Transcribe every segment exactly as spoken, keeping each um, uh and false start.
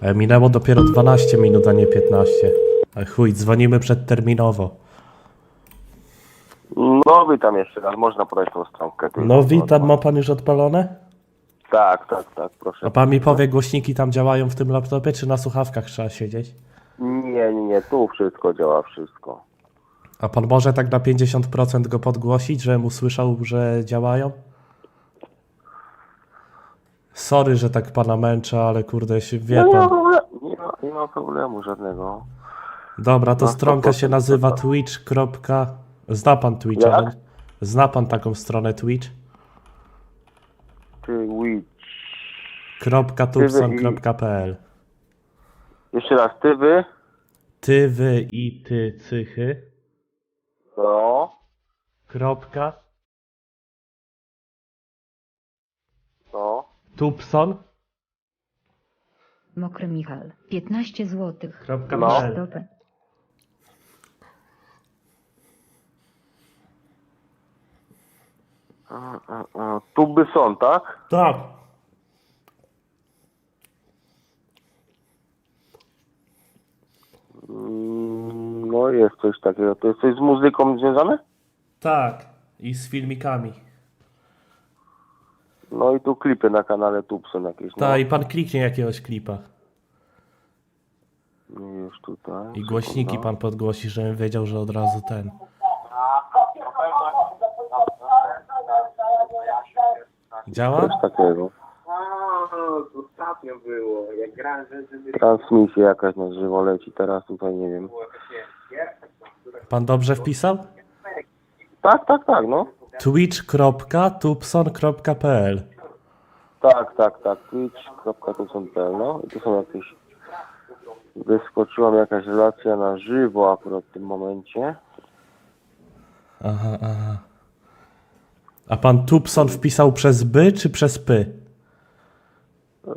E, minęło dopiero dwanaście minut, a nie piętnaście. Ale chuj, dzwonimy przedterminowo. No witam jeszcze raz, można podać tą stronkę. tylko No do- witam, do- ma pan już odpalone? Tak, tak, tak, proszę. A pan mi powie, głośniki tam działają w tym laptopie, czy na słuchawkach trzeba siedzieć? Nie, nie, nie, tu wszystko działa, wszystko. A pan może tak na pięćdziesiąt procent go podgłosić, żebym usłyszał, że działają? Sorry, że tak pana męczę, ale kurde, się wie No, nie, ma pan. problemu, nie, ma, nie ma problemu żadnego. Dobra, to na stronka się sto procent nazywa to tak. twitch. Zna pan Twitcha? Jak? no? Zna pan taką stronę Twitch? Twitch. .tubson.pl Jeszcze raz, ty wy? Ty, wy i ty, cychy. No, Kropka. no. Tubson. Mokry Michal, piętnaście złotych. Kropka No. pl. Stopy. A, a, a. Tuby są, tak? Tak. Mm, No jest coś takiego. To jest coś z muzyką związane? Tak. I z filmikami. No i tu klipy na kanale Tube są jakieś. No. Tak, i pan kliknie jakiegoś klipa. Już tutaj. I głośniki sekunda. pan podgłosi, żebym wiedział, że od razu ten. Działa? Coś takiego. Ostatnio było, jak grałem, żeby Transmisja jakaś na żywo leci teraz tutaj, nie wiem. Pan dobrze wpisał? Tak, tak, tak, no. twitch.tubson.pl Tak, tak, tak. Twitch.tubson.pl, no. I tu są jakieś... Wyskoczyła mi jakaś relacja na żywo akurat w tym momencie. Aha, aha. A pan Tubson wpisał przez by czy przez py? Eee,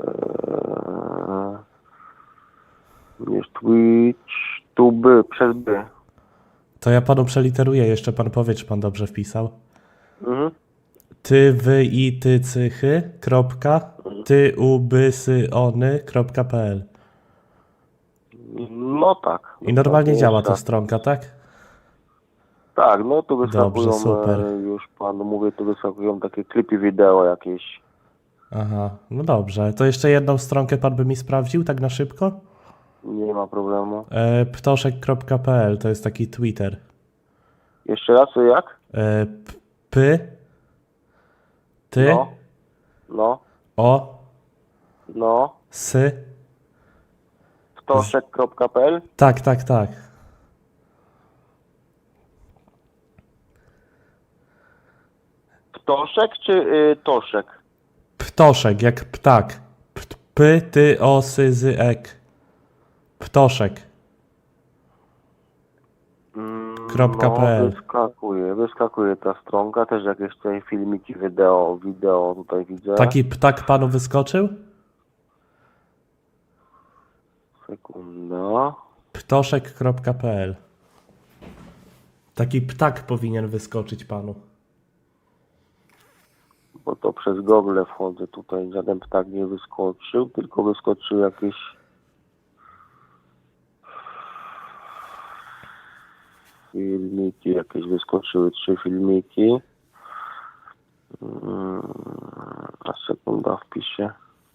jest Twitch, tu by, przez by. To ja panu przeliteruję, jeszcze pan powie, czy pan dobrze wpisał. Mhm. Ty, wy i ty, cychy, kropka, ty, u, by, sy, ony, kropka, pl. No tak. I normalnie tak, działa jeszcze ta raz. stronka, tak? Tak, no tu wyskakują, Dobrze, super. e, już panu mówię, tu wyskakują takie klipy wideo jakieś. Aha, no dobrze. To jeszcze jedną stronkę pan by mi sprawdził, tak na szybko? Nie ma problemu. E, ptoszek.pl to jest taki Twitter. Jeszcze raz, co jak? E, p, py, ty, No, no, o, no. sy. Ptoszek.pl. Tak, tak, tak. Ptoszek czy y, Toszek? Ptoszek, jak ptak. P, py, ty, o, sy, zy, ek. Ptoszek. Mm, Kropka no, pl. wyskakuje, wyskakuje ta stronka, też jakieś tutaj filmiki, wideo, wideo tutaj widzę. Taki ptak panu wyskoczył? Sekunda. Ptoszek.pl. Taki ptak powinien wyskoczyć panu. Bo to przez Google wchodzę tutaj, żaden ptak nie wyskoczył, tylko wyskoczyły jakieś filmiki, jakieś wyskoczyły trzy filmiki. Mm, A sekunda wpiszę.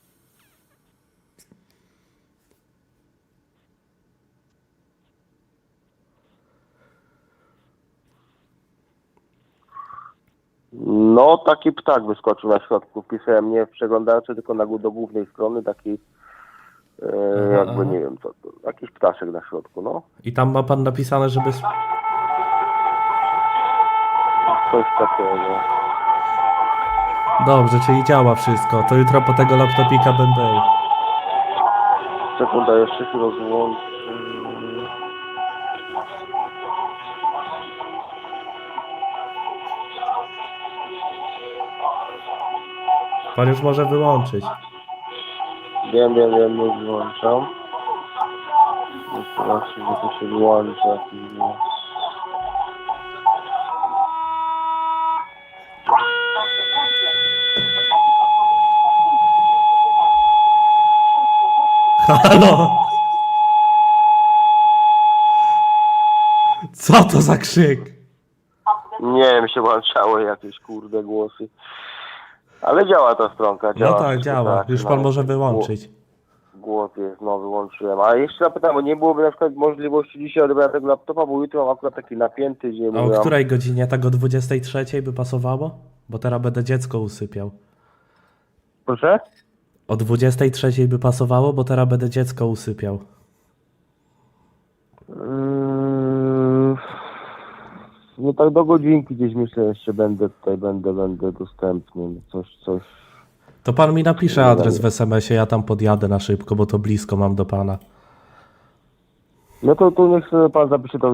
No, taki ptak wyskoczył na środku. Wpisałem nie w przeglądarce, tylko na, gó- do głównej strony taki, e, Aha, jakby aha. nie wiem co to, jakiś ptaszek na środku, no. I tam ma pan napisane, żeby... sp- Coś takiego. Dobrze, czyli działa wszystko. To jutro po tego laptopika będę... Sekunda, jeszcze się rozłączę. Pan już może wyłączyć. Wiem, wiem, wiem, już wyłączam. Jeszcze raz, że to się wyłącza. Halo? Co to za krzyk? Nie wiem, się włączały jakieś kurde głosy. Ale działa ta stronka, No działa. tak, wszystko działa. tak, Już pan nawet może głos- wyłączyć. Głos jest, no wyłączyłem. A jeszcze zapytam, bo nie byłoby na przykład możliwości dzisiaj odebrania tego laptopa, bo jutro mam akurat taki napięty dzień. A o mówię, której godzinie? Tak o dwudziestej trzeciej by pasowało? Bo teraz będę dziecko usypiał. Proszę? O dwudziestej trzeciej by pasowało, bo teraz będę dziecko usypiał. Yy, no tak do godzinki gdzieś myślę jeszcze będę tutaj, będę, będę dostępny. Coś, coś. To pan mi napisze adres w es em esie, ja tam podjadę na szybko, bo to blisko mam do pana. No to tu niech sobie pan zapisze to